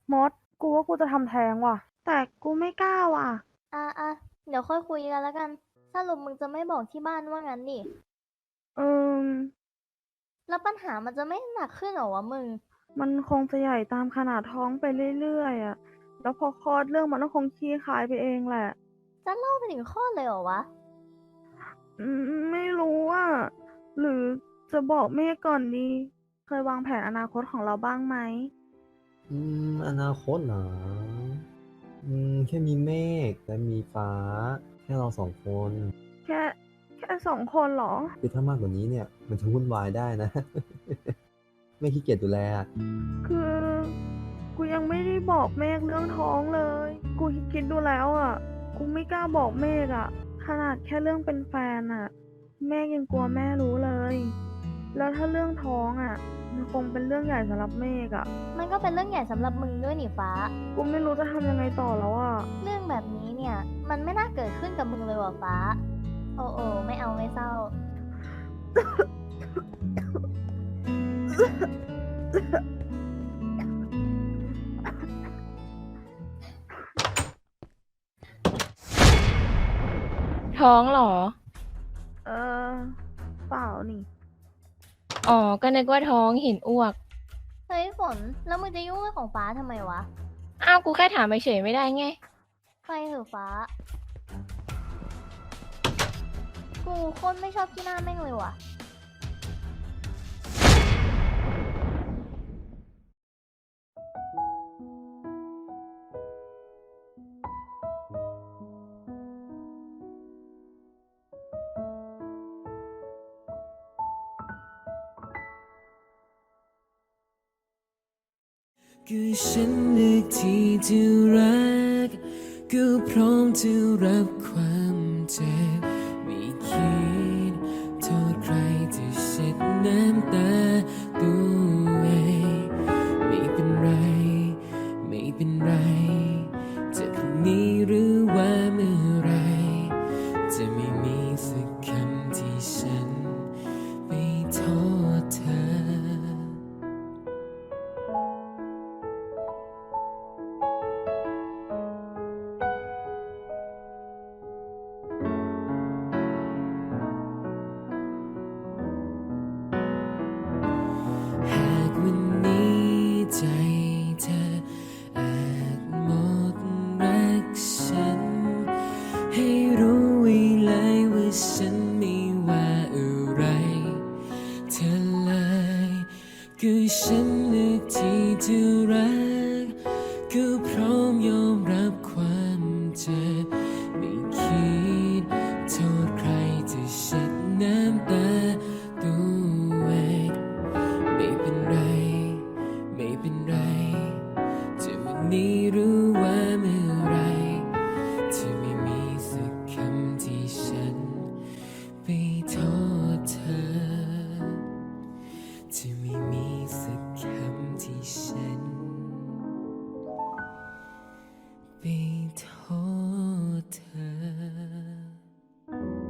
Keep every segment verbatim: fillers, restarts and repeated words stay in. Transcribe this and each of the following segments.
มดกูว่ากูจะทำแท้งว่ะแต่กูไม่กล้าว่ะอ่ะอ่ะเดี๋ยวค่อยคุยกันแล้วกันสรุปมึงจะไม่บอกที่บ้านว่างั้นดิเออแล้วปัญหามันจะไม่หนักขึ้นเหรอวะมึงมันคงจะใหญ่ตามขนาดท้องไปเรื่อยๆอ่ะแล้วพอคลอดเรื่องมันก็คงคลี่คลายไปเองแหละจะเล่าไปถึงข้อเลยเหรอวะอืมไม่รู้อ่ะหรือจะบอกเมฆก่อนดีเคยวางแผนอนาคตของเราบ้างไหมอืมอนาคตเหรออืมแค่มีเมฆและมีฟ้าแค่เราสองคนแค่แค่สองคนเหรอคือถ้ามากกว่านี้เนี่ยมันจะวุ่นวายได้นะไม่ขี้เกียจดูแลอะคือกูยังไม่ได้บอกเมฆเรื่องท้องเลยกูคิดดูแล้วอ่ะกูไม่กล้าบอกเมฆอ่ะขนาดแค่เรื่องเป็นแฟนอ่ะเมฆยังกลัวแม่รู้เลย แล้วถ้าเรื่องท้องอ่ะมันคงเป็นเรื่องใหญ่สำหรับเมฆอ่ะมันก็เป็นเรื่องใหญ่สำหรับมึงด้วยนี่ฟ้ากูไม่รู้จะทำยังไงต่อแล้วอ่ะเรื่องแบบนี้เนี่ยมันไม่น่าเกิดขึ้นกับมึงเลยว่ะฟ้าโอ้โอ้ไม่เอาไม่เศร้าท้องเหรอเออเปล่านี่อ๋อ ก็นึกว่าท้องเห็นอ้วกเฮ้ยฝนแล้วมึงจะยุ่งเรื่องของฟ้าทำไมวะอ้าว กูแค่ถามเฉยๆไม่ได้ไงไปเถอะฟ้ากูโคตรไม่ชอบที่หน้าแม่งเลยว่ะก็ฉันเลือกที่จะรักก็พร้อมจะรับความเจ็บไม่คิดโทษใครจะเช็ดน้ำตาตัวเองไม่เป็นไรไม่เป็นไรจะพรุ่งนี้หรือว่าเมื่อไรจะไม่มีสักคำที่ฉันไปโทษเธอ หากวันนี้ใจเธออาจหมดรักฉันให้รู้ไว้เลยว่าฉันไม่ว่าอะไรเธอเลยก็ฉันเลือกที่จะรักก็พร้อมยอมรับความเจ็บไม่คิดโทษใครจะเช็ดน้ำตาตัวเอง ไม่เป็นไรไม่เป็นไรจะวันนี้หรือว่าเมื่อไรจะไม่มีสักคำที่ฉันไปโทษเธอจะไม่มีสักคำที่ฉันไปโทษเธอ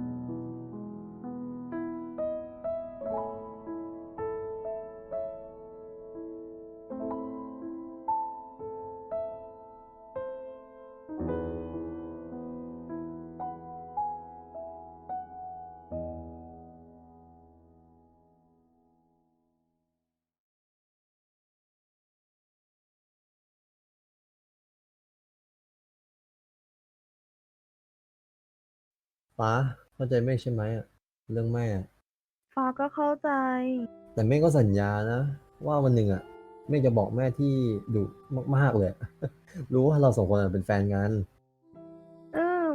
ฟ้าเข้าใจเมฆใช่ไหมอะเรื่องแม่อะฟ้าก็เข้าใจแต่เมฆก็สัญญานะว่าวันหนึ่งอะเมฆจะบอกแม่ที่ดุมากๆเลยรู้ว่าเราสองคนอะเป็นแฟนกันอืม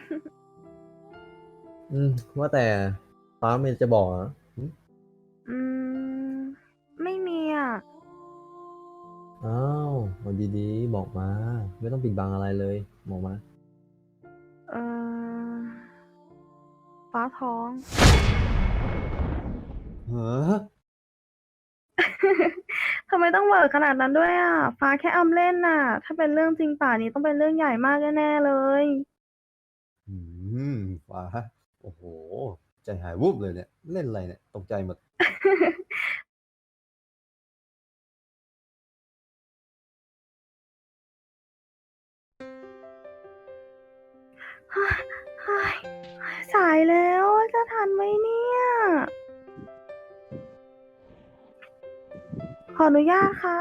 อืมว่าแต่ฟ้าไม่จะบอกเหรอหึอืมไม่มีอ่ะอ้าวเอาดีๆบอกมาไม่ต้องปิดบังอะไรเลยบอกมาเออฟ้าท้องเหรอทำไมต้องเวอร์ขนาดนั้นด้วยอ่ะฟ้าแค่อำเล่นน่ะถ้าเป็นเรื่องจริงป่านนี้ต้องเป็นเรื่องใหญ่มากแน่ๆเลยอืมฟ้าโอ้โหใจหายวูบเลยเนี่ยเล่นอะไรเนี่ยตกใจหมดเฮ้ยเฮ้ยสายแล้วจะทันไหมเนี่ย ขออนุญาตค่ะ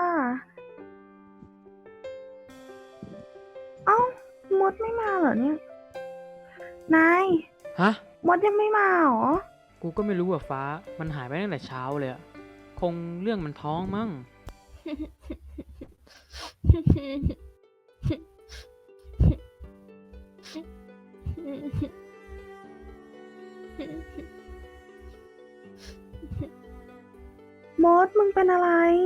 เอ้ามดไม่มาเหรอเนี่ย นายฮะมดยังไม่มาเหรอกูก็ไม่รู้อะฟ้า มันหายไปตั้งแต่เช้าเลยอะคงเรื่องมันท้องมั้งมดมึงเป็นอะไร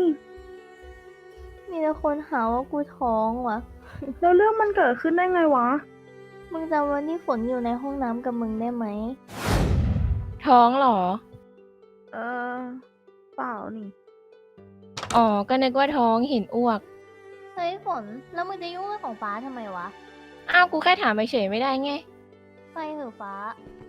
มีแต่คนหาว่ากูท้องว่ะแล้วเรื่องมันเกิดขึ้นได้ไงวะมึงจำวันที่ฝนอยู่ในห้องน้ำกับมึงได้ไหมท้องเหรอเออ เปล่านี่อ๋อ ก็นึกว่าท้องเห็นอ้วกเฮ้ยฝน แล้วมึงจะยุ่งเรื่องของฟ้าทำไมวะอ้าว กูแค่ถามเฉยๆไม่ได้ไงไปเถอะฟ้า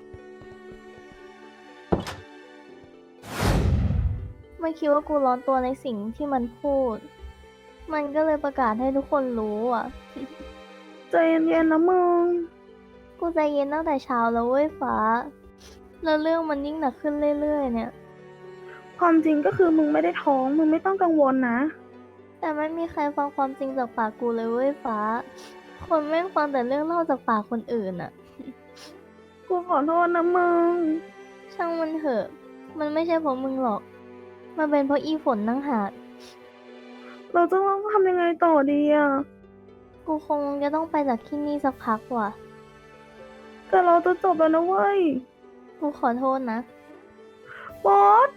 มันคิดว่ากูร้อนตัวในสิ่งที่มันพูด มันก็เลยประกาศให้ทุกคนรู้อ่ะใจเย็นๆนะมึงกูใจเย็นตั้งแต่เช้าแล้วเว้ยฟ้า แล้วเรื่องมันยิ่งหนักขึ้นเรื่อยๆเนี่ยความจริงก็คือมึงไม่ได้ท้อง มึงไม่ต้องกังวลนะแต่ไม่มีใครฟังความจริงจากปากกูเลยเว้ยฟ้า คนแม่งฟังแต่เรื่องเล่าจากปากคนอื่นอ่ะกูขอโทษนะมึงช่างมันเถอะ มันไม่ใช่เพราะมึงหรอก มันเป็นเพราะอีฝนนั่งหากเราจะต้องทำยังไงต่อดีอ่ะกูคงจะต้องไปจากที่นี่สักพักว่ะแต่เราจะจบแล้วนะเว้ยกูขอโทษนะบอส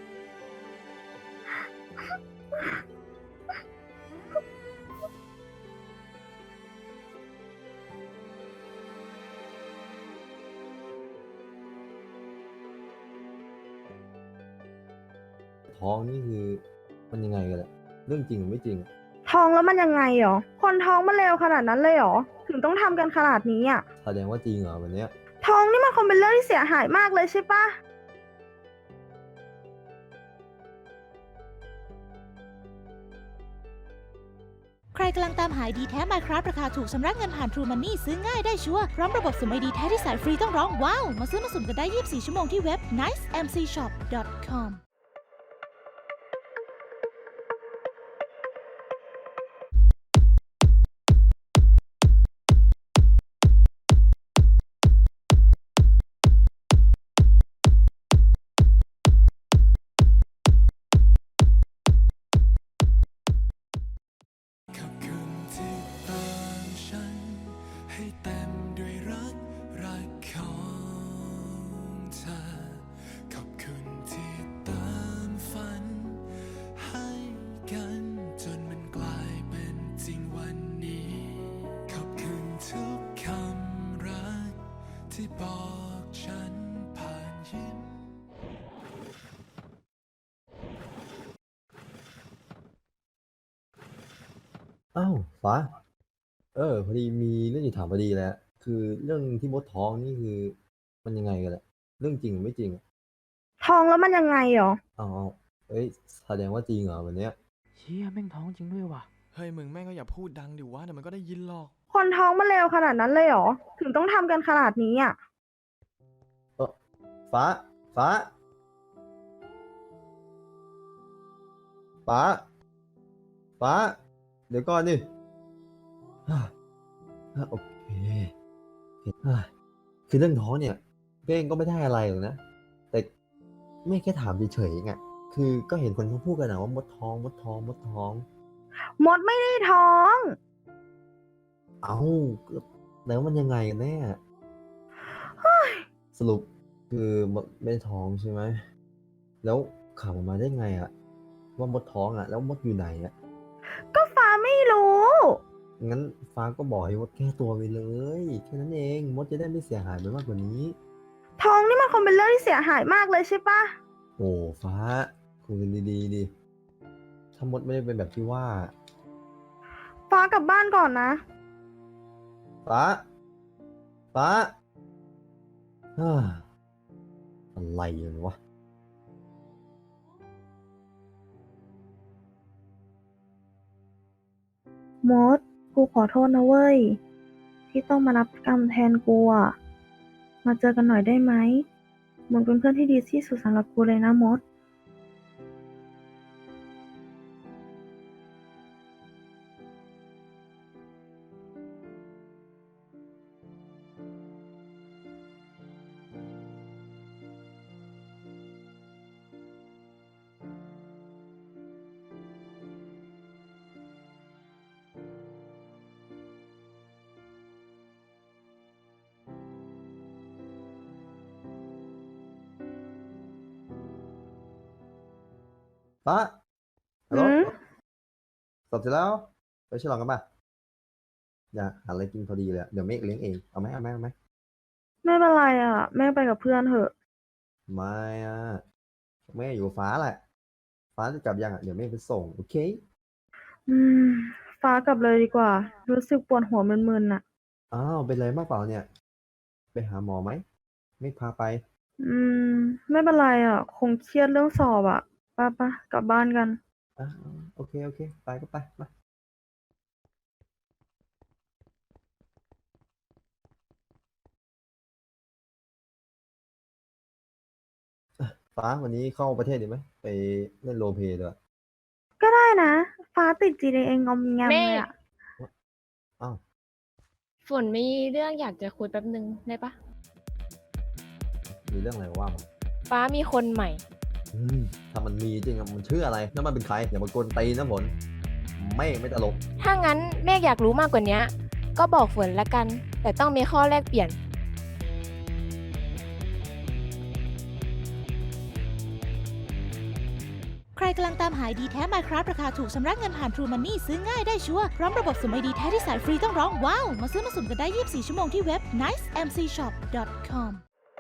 ท้องนี่คือมันยังไงกันแหละเรื่องจริงหรือไม่จริงท้องแล้วมันยังไงหรอ คนท้องมันเลวขนาดนั้นเลยเหรอ ถึงต้องทำกันขนาดนี้อ่ะแสดงว่าจริงเหรอวันเนี้ยท้องนี่มันคงเป็นเรื่องที่เสียหายมากเลยใช่ปะใครกำลังตามหา ไอ ดี แท้ Minecraft ราคาถูกชำระเงินผ่าน True Money ซื้อง่ายได้ชัวร์พร้อมระบบสุ่ม ไอ ดี แท้ที่สายฟรีต้องร้องว้าว มาซื้อมาสุ่มกันได้ ยี่สิบสี่ ชั่วโมงที่เว็บ ไนซ์ เอ็ม ซี ช็อป ดอท คอมขอบคุณที่ตามฉันให้เต็มด้วยรักรักของเธอ ขอบคุณที่ตามฝันให้กันจนมันกลายเป็นจริงวันนี้ ขอบคุณทุกคำรักที่บอกฉันผ่านยิ้มอ้าวฟ้า เออพอดีมีเรื่องจะถามพอดีแหล้วคือเรื่องที่มดท้องนี่คือ มันยังไงกันแหละเรื่องจริงหรือไม่จริงท้องแล้วมันยังไงหรออ๋อเอ้ยแสดงว่าจริงเหรอวันเนี้ยเชี่ยแม่งท้องจริงด้วยว่ะเฮ้ยมึงแม่งก็อย่าพูดดังดิวะเดี๋ยวมันก็ได้ยินหรอกคนท้องมันเลวขนาดนั้นเลยเหรอ ถึงต้องทำกันขนาดนี้อ่ะเออฟ้า ฟ้า ฟ้า ฟ้า เดี๋ยวก่อนดิฮ่าฮ่าโอเคฮ่าคือเรื่องท้องเนี่ยเป้งก็ไม่ได้อะไรหรอกนะ แต่ไม่แค่ถามเฉยๆไงคือก็เห็นคนเขาพูดกันนะว่ามดท้อง มดท้อง มดท้องมดไม่ได้ท้องเอ้าแล้วมันยังไงกันแน่สรุปคือมดไม่ได้ท้องใช่ไหม แล้วข่าวออกมาได้ไงอะว่ามดท้องอะแล้วมดอยู่ไหนอะก็ฟ้าไม่รู้งั้นฟ้าก็บอกให้มดแก้ตัวไปเลย แค่นั้นเองมดจะได้ไม่เสียหายไปมากกว่านี้ท้องนี่มันคงเป็นเรื่องที่เสียหายมากเลยใช่ปะโอ้ฟ้าคุยกันดีๆดิถ้ามดไม่ได้เป็นแบบที่ว่าฟ้ากลับบ้านก่อนนะฟ้า ฟ้าฮ่าอะไรกันวะมด กูขอโทษนะเว้ยที่ต้องมารับกรรมแทนกูอ่ะ มาเจอกันหน่อยได้ไหม มึงเป็นเพื่อนที่ดีที่สุดสำหรับกูเลยนะมดฟ้าฮัลโหลหืมสอบเสร็จแล้ว ไปฉลองกันป่ะ อยากหาอะไรกินพอดีเลยอะเดี๋ยวเมฆเลี้ยงเอง เอาไหมเอาไหมเอาไหมไม่เป็นไรอ่ะ แม่ไปกับเพื่อนเถอะไม่อะแม่อยู่กับฟ้าแหละ ฟ้าจะกลับยังอ่ะ เดี๋ยวเมฆไปส่ง โอเคอืม ฟ้ากลับเลยดีกว่า รู้สึกปวดหัวมึนๆน่ะอ้าว เป็นไรมากเปล่าเนี่ย ไปหาหมอไหม เมฆพาไปอืม ไม่เป็นไรอ่ะ คงเครียดเรื่องสอบอ่ะไปไปกลับบ้านกันอ่าโอเค โอเค ไปก็ไปมาอ่ะฟ้าวันนี้เข้าประเทศดีไหม ไปเล่นโรลเพลย์ด้วยก็ได้นะ ฟ้าติด จี ดี เอ งอมแงมเมเลยฆอ่ะอ้าวฝนมีเรื่องอยากจะคุยแป๊บนึงได้ปะมีเรื่องอะไรว่ามาฟ้ามีคนใหม่อืมถ้ามันมีจริงอะมันชื่ออะไรแล้วมันเป็นใคร อย่ามากวนตีนนะผล ไม่ไม่ตลกถ้างั้นเมฆอยากรู้มากกว่านี้ก็บอกฝนละกัน แต่ต้องมีข้อแลกเปลี่ยนใครกำลังตามหา ไอ ดี แท้ Minecraft ราคาถูกชำระเงินผ่าน True Money ซื้อง่ายได้ชัวร์พร้อมระบบสุ่ม ไอ ดี แท้ที่สายฟรีต้องร้องว้าว มาซื้อมาสุ่มกันได้ ยี่สิบสี่ ชั่วโมงที่เว็บ ไนซ์ เอ็ม ซี ช็อป ดอท คอม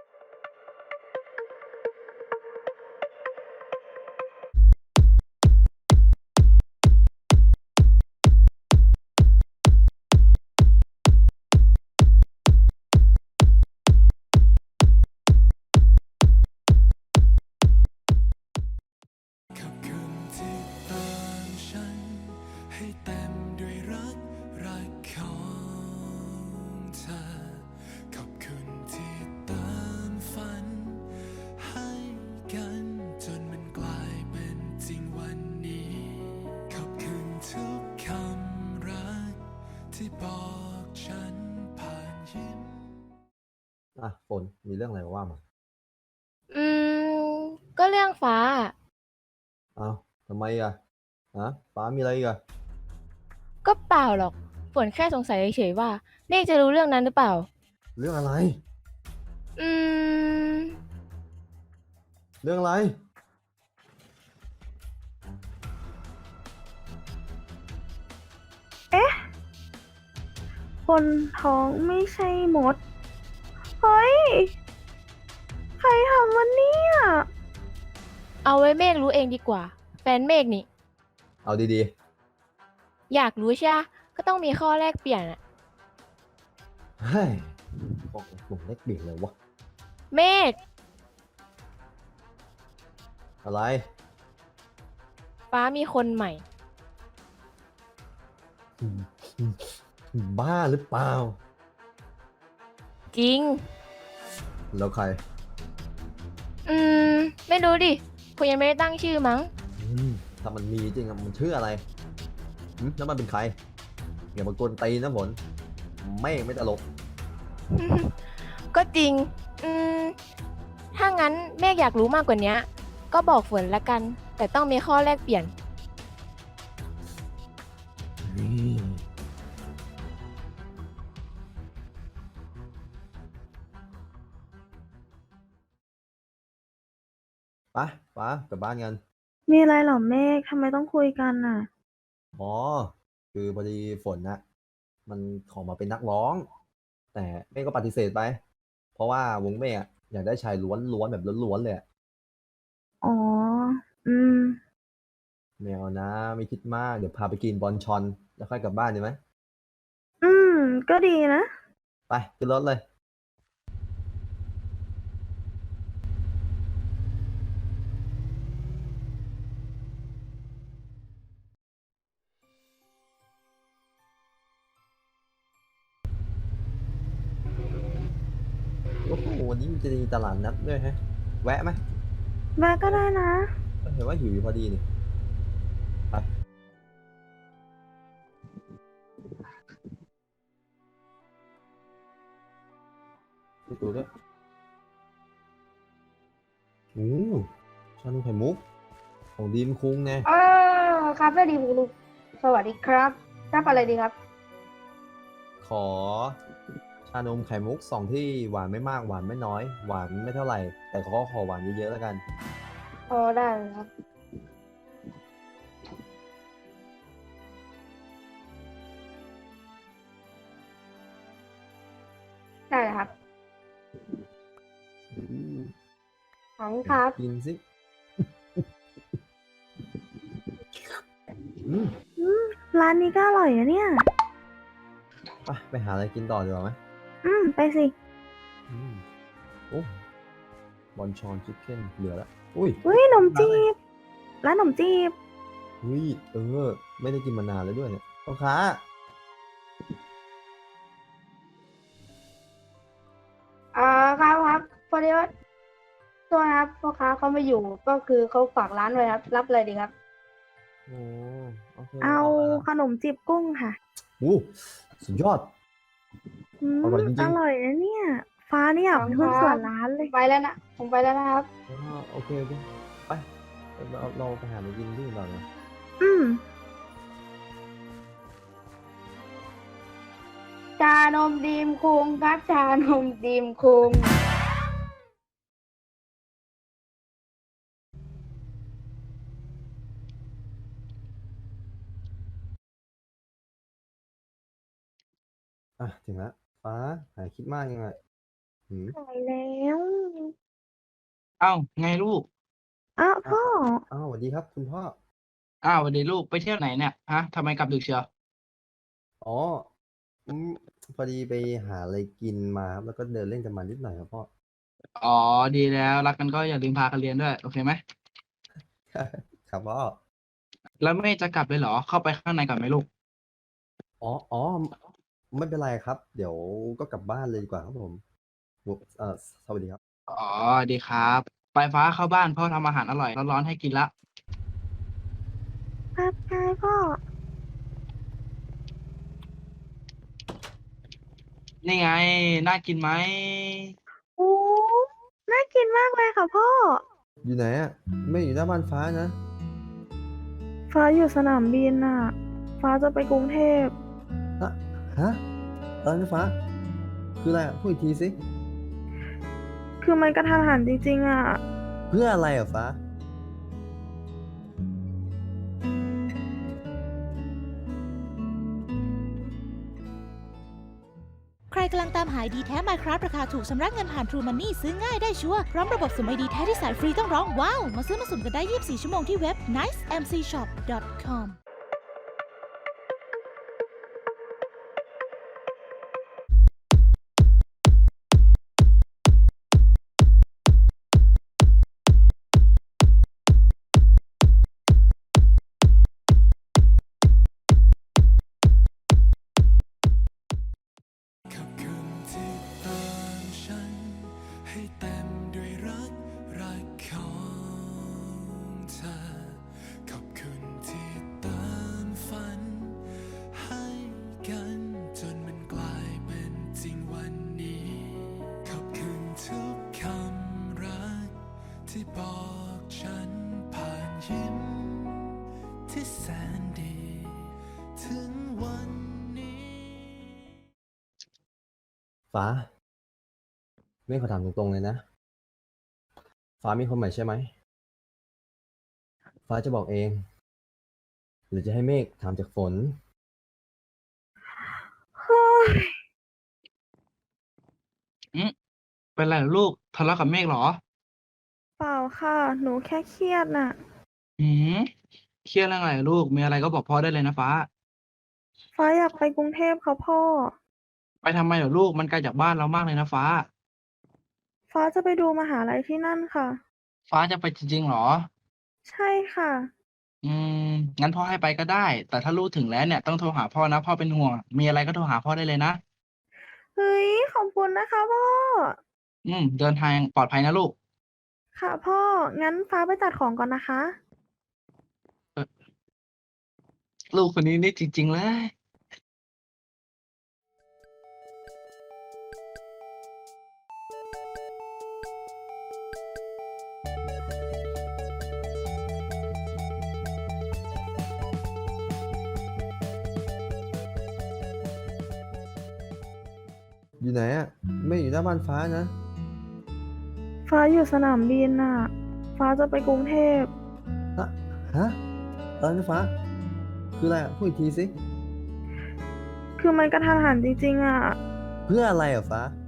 ขอบคุณที่เติมฉันให้เต็มด้วยรัก รักของเธอ ขอบคุณที่เติมฝันให้กันจนมันกลายเป็นจริงวันนี้ ขอบคุณทุกคำรักที่บอกฉันผ่านยิ้มอ่ะฝนมีเรื่องอะไรว่ามาอืม ก็เรื่องฟ้าอ้าวทำไมอ่ะฮะฟ้ามีอะไรอีกอ่ะก็เปล่าหรอก ฝนแค่สงสัยเฉยๆว่าเมฆจะรู้เรื่องนั้นหรือเปล่าเรื่องอะไรอืมเรื่องอะไรคนท้องไม่ใช่มด เฮ้ย ใครทำวันนี้อ่ะเอาไว้เมฆรู้เองดีกว่า แฟนเมฆนี่เอาดีอยากรู้ใช่ปะก็ต้องมีข้อแลกเปลี่ยนอะๆ เฮ้ยบอกผมเล็กเบี่ยงเลยวะเมฆอะไรฟ้ามีคนใหม่อืมอืมบ้าหรือเปล่าจริงแล้วใครอืม ไม่รู้ดิคุณยังไม่ได้ตั้งชื่อมั้งอืมถ้ามันมีจริงอะมันชื่ออะไรหึแล้วมันเป็นใคร อย่ามากวนตีนนะผล ไม่ไม่ตลกก็จริง อืม ถ้างั้นเมฆอยากรู้มากกว่านี้ก็บอกฝนละกัน แต่ต้องมีข้อแลกเปลี่ยนไปฟ้ากลับบ้านกันมีอะไรเหรอเมฆทำไมต้องคุยกันน่ะอ๋อ คือพอดีฝนนะมันขอมาเป็นนักร้อง แต่เมฆก็ปฏิเสธไป เพราะว่าวงเมฆอะอยากได้ชายล้วนล้วนแบบล้วนๆเลยอะอ๋อ อืมไม่เอานะ ไม่คิดมาก เดี๋ยวพาไปกินบอนชอน แล้วค่อยกลับบ้านดีไหมอืม ก็ดีนะไปขึ้นรถเลยนี้มันจะมีตลาดนัดด้วยฮะ แวะไหมแวะก็ได้นะเห็นว่าหิวอยู่พอดีนี่ ไปไปตัวด้วยโอ้ชานมไข่มุก ของดีมคุงไงอ่าครับได้ดีคุณลุงสวัสดีครับรับอะไรดีครับขอชานมไข่มุกสองที่หวานไม่มากหวานไม่น้อย หวานไม่เท่าไหร่ แต่ก็ขอหวานเยอะๆแล้วกันอ๋อได้เลยครับ ได้เลยครับอืมขอบคุณครับกินสิ อืมร้านนี้ก็อร่อยอะเนี่ยไปไปหาอะไรกินต่อดีกว่าไหมอืม ไปสิอืมโอ้บอนชอนชิคเก้นเหลือแล้วอุ้ยอุ้ยขนมจีบ ร้านขนมจีบอุ้ยเออ ไม่ได้กินมานานแล้วด้วยเนี่ยพ่อค้าอ่าครับครับพอดีว่าตัวนะครับพ่อค้าเขาไม่อยู่ก็คือเขาฝากร้านไว้ครับ รับอะไรดีครับโอ้โอเคเอาอะไรนะขนมจีบกุ้งค่ะอู้สุดยอดอืมอร่อยจริงๆอร่อยนะเนี่ย ฟ้าเนี่ยเป็นหุ้นส่วนร้านเลยไปแล้วนะ ผมไปแล้วนะครับอ๋อโอเคโอเคไปเราเราไปหาอะไรกินที่อื่นต่อนะอืมชานมดีมคุงครับ ชานมดีมคุงอ่ะถึงแล้วฟ้าหายคิดมากยังไงหืมไปแล้วเอ้าไงลูกอ้าวพ่ออ้าวสวัสดีครับคุณพ่ออ้าวสวัสดีลูกไปเที่ยวไหนเนี่ยฮะทำไมกลับดึกเชียวอ๋ออืมพอดีไปหาอะไรกินมาครับแล้วก็เดินเล่นกันมานิดหน่อยครับพ่ออ๋อดีแล้วรักกันก็อย่าลืมพากันเรียนด้วยโอเคไหมครับพ่อแล้วไม่จะกลับเลยเหรอเข้าไปข้างในก่อนไหมลูกอ๋ออ๋อไม่เป็นไรครับ เดี๋ยวก็กลับบ้านเลยดีกว่าครับผมเอ่อสวัสดีครับอ๋อดีครับไปฟ้าเข้าบ้านพ่อทำอาหารอร่อยร้อนๆให้กินละครับใช่พ่อนี่ไงน่ากินไหมโอ้ น่ากินมากเลยค่ะพ่ออยู่ไหนอ่ะ ไม่อยู่หน้าบ้านฟ้านะฟ้าอยู่สนามบินน่ะ ฟ้าจะไปกรุงเทพฮะฮะอะไรนะฟ้า คืออะไรอ่ะพูดอีกทีสิคือมันกระทันหันจริงๆอ่ะเพื่ออะไรอ่ะฟ้าใครกำลังตามหา ไอ ดี แท้ Minecraft ราคาถูกชำระเงินผ่าน True Money ซื้อง่ายได้ชัวร์พร้อมระบบสุ่ม ไอ ดี แท้ที่สายฟรีต้องร้องว้าว มาซื้อมาสุ่มกันได้ ยี่สิบสี่ ชั่วโมงที่เว็บ ไนซ์ เอ็ม ซี ช็อป ดอท คอมฟ้า ไม่ขอถามตรงๆเลยนะ ฟ้ามีคนใหม่ใช่ไหม ฟ้าจะบอกเอง หรือจะให้เมฆถามจากฝนเฮ้ยอืมเป็นไรเหรอลูกทะเลาะกับเมฆเหรอเปล่าค่ะ หนูแค่เครียดน่ะอืมเครียดเรื่องอะไรลูกมีอะไรก็บอกพ่อได้เลยนะฟ้าฟ้าอยากไปกรุงเทพค่ะพ่อไปทำไมเหรอลูกมันไกลจากบ้านเรามากเลยนะฟ้าฟ้าจะไปดูมหาลัยที่นั่นค่ะฟ้าจะไปจริงๆเหรอใช่ค่ะอืมงั้นพ่อให้ไปก็ได้ แต่ถ้าลูกถึงแล้วเนี่ยต้องโทรหาพ่อนะพ่อเป็นห่วงมีอะไรก็โทรหาพ่อได้เลยนะเฮ้ย ขอบคุณนะคะพ่ออืม เดินทางปลอดภัยนะลูกค่ะพ่อ งั้นฟ้าไปจัดของก่อนนะคะลูกคนนี้นี่จริง ๆ เลยอยู่ไหนอะไม่อยู่หน้าบ้านฟ้านะฟ้าอยู่สนามบินน่ะ ฟ้าจะไปกรุงเทพฮะ ฮะอะไรนะฟ้า คืออะไรอะพูดอีกทีสิคือมันกระทันหันจริงๆอ่ะเพื่ออะไรอะฟ้า